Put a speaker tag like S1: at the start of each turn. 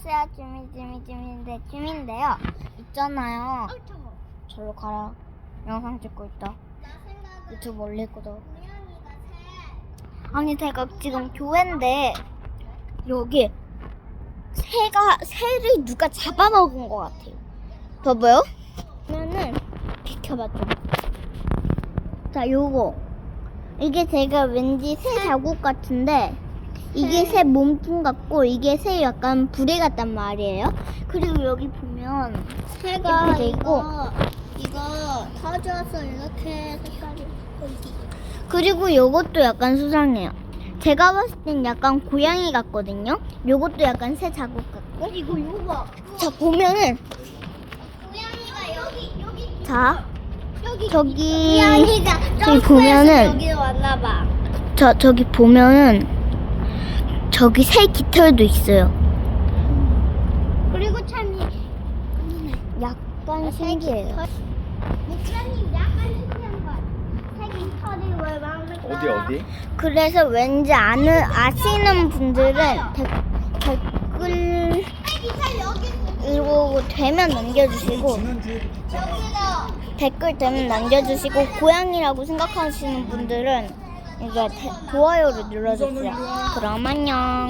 S1: 안녕하세요. 쭈민데요. 있잖아요. 절로 가라. 영상 찍고 있다. 유튜브 올릴 거다. 아니 제가 지금 교회인데 여기 새를 누가 잡아먹은 것 같아요. 봐봐요. 그러면은 비켜봐 좀. 자, 요거 이게 제가 왠지 새 자국 같은데 이게 새 몸통 같고 이게 새 약간 부대 같단 말이에요. 그리고 여기 보면 새가 이렇게 돼 있고
S2: 이거 터져서 이렇게 색깔이 보이기.
S1: 그리고 요것도 약간 수상해요. 제가 봤을 땐 약간 고양이 같거든요. 요것도 약간 새 자국 같고.
S2: 이거 봐.
S1: 자, 보면은
S2: 고양이가 여기
S1: 자 저기
S2: 고양이가
S1: 저기 보면은
S2: 여기 왔나 봐.
S1: 저기 보면은 저기 새 깃털도 있어요.
S2: 그리고 참이
S1: 약간 신기해요.
S2: 목사님 약간 신기한 거. 색이 털이 왜 많을까?
S3: 어디?
S1: 그래서 왠지 아시는 분들은 댓글
S2: 색이 여기
S1: 이거 되면 남겨주시고 댓글 되면 남겨주시고 고양이라고 생각하시는 분들은 이제 좋아요를 눌러주세요. 그럼 안녕.